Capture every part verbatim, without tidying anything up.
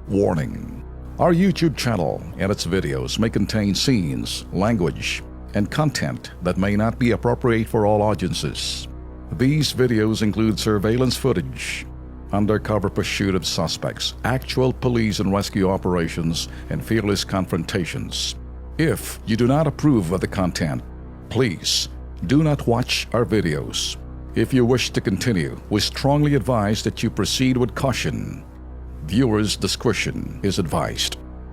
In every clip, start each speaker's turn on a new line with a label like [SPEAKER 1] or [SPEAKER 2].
[SPEAKER 1] Warning: our YouTube channel and its videos may contain scenes, language, and content that may not be appropriate for all audiences. These videos include surveillance footage, undercover pursuit of suspects, actual police and rescue operations, and fearless confrontations. If you do not approve of the content, please do not watch our videos. If you wish to continue, we strongly advise that you proceed with caution. Viewers' discretion is advised.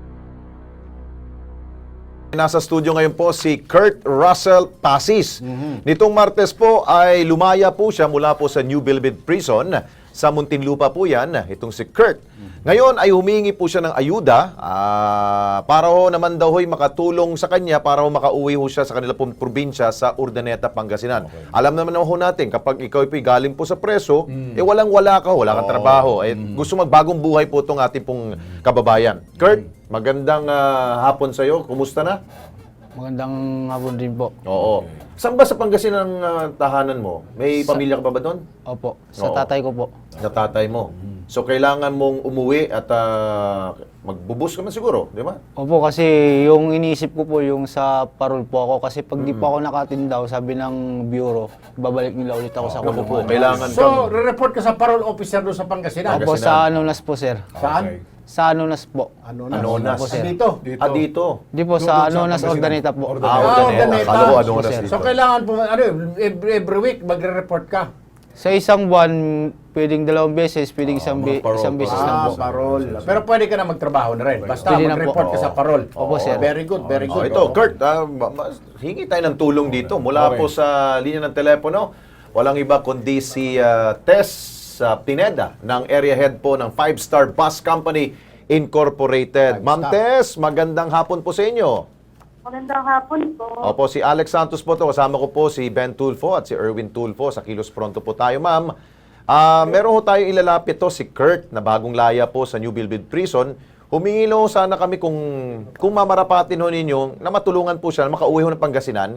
[SPEAKER 2] Nasa studio ngayon po si Kurt Russell Pasis. Mm-hmm. Nitong Martes po ay lumaya po siya mula po sa New Bilbid Prison. Sa Muntinlupa po yan, itong si Kurt. Ngayon ay humingi po siya ng ayuda uh, para ho naman daw ho'y makatulong sa kanya para ho makauwi ho siya sa kanila pong probinsya sa Urdaneta, Pangasinan. Okay. Alam naman ho natin, kapag ikaw ay galing po sa preso, mm. eh walang-wala ka, wala kang oh. trabaho. Eh, mm. gusto magbagong buhay po itong ating pong kababayan. Kurt, magandang uh, hapon sa'yo. Kumusta na?
[SPEAKER 3] Magandang hapon din po.
[SPEAKER 2] Oo. Saan ba sa Pangasinan ang uh, tahanan mo? May sa, pamilya ka pa ba doon?
[SPEAKER 3] Opo. Sa
[SPEAKER 2] Oo.
[SPEAKER 3] tatay ko po.
[SPEAKER 2] Sa tatay mo. So, kailangan mong umuwi at uh, magbubus ka man siguro, di ba?
[SPEAKER 3] Opo, kasi yung iniisip ko po yung sa parol po ako. Kasi pag mm. di po ako nakatindaw, sabi ng bureau, babalik nila ulit ako oh, sa kulungan.
[SPEAKER 2] Kailangan
[SPEAKER 4] so, re-report ka sa parol officer doon sa Pangasinan?
[SPEAKER 3] Opo, sa Anonas po, sir.
[SPEAKER 4] Saan?
[SPEAKER 2] Okay.
[SPEAKER 3] Sa Anonas po.
[SPEAKER 4] Anonas?
[SPEAKER 2] Anonas.
[SPEAKER 3] Opo, sir.
[SPEAKER 4] Dito?
[SPEAKER 2] Ah, dito?
[SPEAKER 3] Di po, sa Anonas, Urdaneta po.
[SPEAKER 2] Ah, Urdaneta. Akala ko Anonas dito.
[SPEAKER 4] So, kailangan po, ano, every, every week magre-report ka?
[SPEAKER 3] Sa isang buwan, pwedeng dalawang beses, pwedeng isang, be, isang beses lang
[SPEAKER 4] Ah,
[SPEAKER 3] po.
[SPEAKER 4] parol. Pero pwede ka na magtrabaho na rin. Basta
[SPEAKER 3] Pwede na po.
[SPEAKER 4] mag-report ka sa parol.
[SPEAKER 3] Opo, sir.
[SPEAKER 4] Very good, very
[SPEAKER 2] Oh,
[SPEAKER 4] good.
[SPEAKER 2] ito, Kurt, uh, hingi tayo ng tulong dito. Mula
[SPEAKER 4] Okay.
[SPEAKER 2] po sa linya ng telepono, walang iba kundi si uh, Tess uh, Pineda ng area head po ng Five Star Bus Company Incorporated. Ma'am Tess, magandang hapon po sa inyo.
[SPEAKER 5] Magandang hapon po.
[SPEAKER 2] Opo, si Alex Santos po to. Kasama ko po si Ben Tulfo at si Erwin Tulfo. Sa Kilos Pronto po tayo, ma'am. Uh, meron ho tayong ilalapit to, si Kurt, na bagong laya po sa New Bilbid Prison. Humingi ho sana kami kung, kung mamarapatin ho ninyo na matulungan po siya na makauwi ho ng Pangasinan.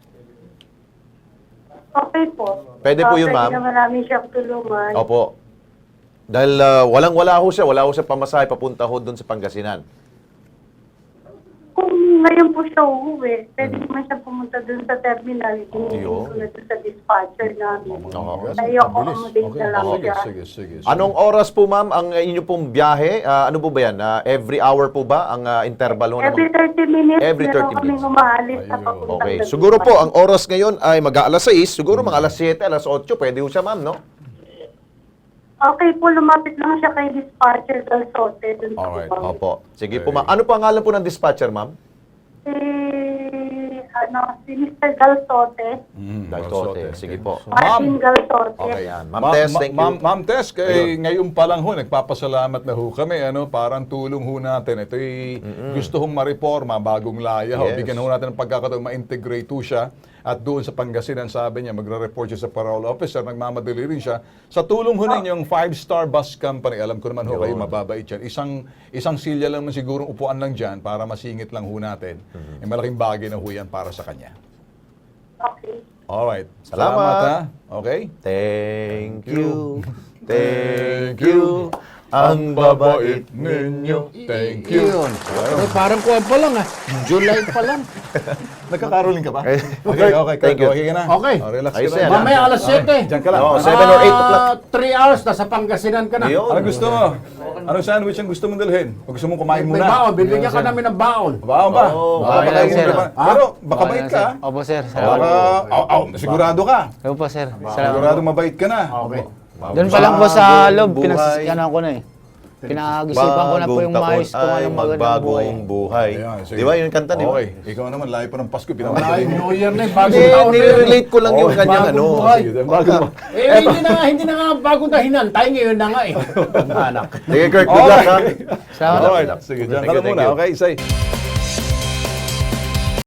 [SPEAKER 5] Okay po.
[SPEAKER 2] Pwede po
[SPEAKER 5] Uh,
[SPEAKER 2] yun, ma'am.
[SPEAKER 5] Pwede naman namin siyang tulungan.
[SPEAKER 2] Opo. Dahil uh, walang-wala ho siya, wala ho siya pamasahe papunta ho doon sa Pangasinan.
[SPEAKER 5] Kung ngayon po siya uuwi, pwede naman siya pumunta dun sa terminal. Hindi ko na dun sa dispatcher namin.
[SPEAKER 2] Oo.
[SPEAKER 5] Tayo accommodate na lang siya.
[SPEAKER 6] Sige, sige.
[SPEAKER 2] Anong oras po, ma'am, ang uh, inyo pong biyahe? Uh, ano po ba yan? Uh, every hour po ba ang uh, interval ho?
[SPEAKER 5] Every thirty minutes,
[SPEAKER 2] Every thirty
[SPEAKER 5] meron kaming
[SPEAKER 2] minutes.
[SPEAKER 5] umaalis na papuntang
[SPEAKER 2] Okay.
[SPEAKER 5] Laguna.
[SPEAKER 2] Siguro po, ang oras ngayon ay mag-aalas sais. Siguro mga alas siyete, alas otso. Pwede ho siya, ma'am, no?
[SPEAKER 5] Okay po, lumapit lang siya kay dispatcher Galsote. Dun sa
[SPEAKER 6] Alright.
[SPEAKER 5] Cubao.
[SPEAKER 2] Opo. Sige po, ma'am. Ano po ang ngalan po ng dispatcher, ma'am?
[SPEAKER 5] Si, ano, si Mister Galsote.
[SPEAKER 6] Mm,
[SPEAKER 2] Galsote. Sige po.
[SPEAKER 5] Martin Galsote.
[SPEAKER 2] Okay, yan. Ma'am
[SPEAKER 6] Ma-
[SPEAKER 2] Tess,
[SPEAKER 6] ma-
[SPEAKER 2] thank you.
[SPEAKER 6] Ma'am, Ma'am Tess, kay ngayon pa lang ho, nagpapasalamat na ho kami. Ano, parang tulong ho natin. Ito'y gusto hong ma-reforma, bagong laya. Ho.
[SPEAKER 2] Yes.
[SPEAKER 6] Bigyan ho natin ng pagkakataon, ma-integrate ho siya. At doon sa Pangasinan, sabi niya, magre-report siya sa parole officer, nagmamadali rin siya. Sa tulong ho ninyong Five Star Bus Company, alam ko naman ho kayo, mababait yan. Isang, isang silya lang man sigurong upuan lang dyan para masingit lang ho natin. Eh, malaking bagay na ho yan para sa kanya.
[SPEAKER 5] Okay.
[SPEAKER 6] Alright.
[SPEAKER 2] Salamat.
[SPEAKER 6] ha. Okay?
[SPEAKER 2] Thank you. Thank you. Ang babait ninyo.
[SPEAKER 6] Thank you.
[SPEAKER 4] Yun. Eh, parang kuwan pa lang ah. July pa lang.
[SPEAKER 6] Nagkakaroling ka ba?
[SPEAKER 2] Okay.
[SPEAKER 6] Okay, okay.
[SPEAKER 2] Thank you.
[SPEAKER 6] Okay ka na.
[SPEAKER 4] Okay.
[SPEAKER 6] Oh, relax
[SPEAKER 2] Ayos
[SPEAKER 6] ka
[SPEAKER 2] yan,
[SPEAKER 6] na.
[SPEAKER 2] ah.
[SPEAKER 4] Mamaya alas siyete.
[SPEAKER 6] Diyan ka lang.
[SPEAKER 2] Oo, seven or eight o'clock.
[SPEAKER 4] three hours, nasa Pangasinan ka na.
[SPEAKER 2] Yun.
[SPEAKER 6] Ano gusto mo? Anong sandwich ang gusto mong dalhin? O gusto mong kumain
[SPEAKER 4] May
[SPEAKER 6] muna?
[SPEAKER 4] baon, bibigyan ka namin ng baon.
[SPEAKER 6] Baon ba?
[SPEAKER 2] Oo,
[SPEAKER 6] Baka
[SPEAKER 3] baon
[SPEAKER 6] bakain
[SPEAKER 3] lang,
[SPEAKER 6] mo
[SPEAKER 3] sir.
[SPEAKER 6] naman. Pero baka bait ka. ah.
[SPEAKER 3] Opo, sir.
[SPEAKER 6] Baka,
[SPEAKER 3] Salamat.
[SPEAKER 6] aw, aw, sigurado ka.
[SPEAKER 3] Opo, sir. Salamat.
[SPEAKER 6] Sigurado mabait ka na.
[SPEAKER 4] Okay.
[SPEAKER 3] Doon pa lang po sa
[SPEAKER 2] Bagong
[SPEAKER 3] loob,
[SPEAKER 2] buhay.
[SPEAKER 3] pinasasyanan ko na eh. Pinag-isipan ko na po yung maayos kung anong magandang buhay.
[SPEAKER 2] magbagong buhay.
[SPEAKER 6] Ayan, sige.
[SPEAKER 2] Di ba yung kanta, di ba?
[SPEAKER 6] Okay. Ikaw naman, layo pa ng Pasko.
[SPEAKER 4] Wala
[SPEAKER 6] Pinamadali
[SPEAKER 4] yung
[SPEAKER 6] mo.
[SPEAKER 4] New Year na eh. Bagong
[SPEAKER 2] Hindi,
[SPEAKER 4] taon na yun.
[SPEAKER 2] nire-relate ko lang yung
[SPEAKER 4] Oh,
[SPEAKER 2] kanyang
[SPEAKER 4] bagong
[SPEAKER 2] ano.
[SPEAKER 4] buhay.
[SPEAKER 6] Sige, bago mo.
[SPEAKER 4] Eh, hindi na nga, hindi na nga bagong dahinan. Tayo ngayon na nga eh. Anak.
[SPEAKER 2] Sige, Kurt, good luck, ha?
[SPEAKER 3] Salamat.
[SPEAKER 6] Alright. Sige, dyan ka
[SPEAKER 2] Thank you,
[SPEAKER 6] lang muna.
[SPEAKER 2] thank you.
[SPEAKER 6] Okay, say.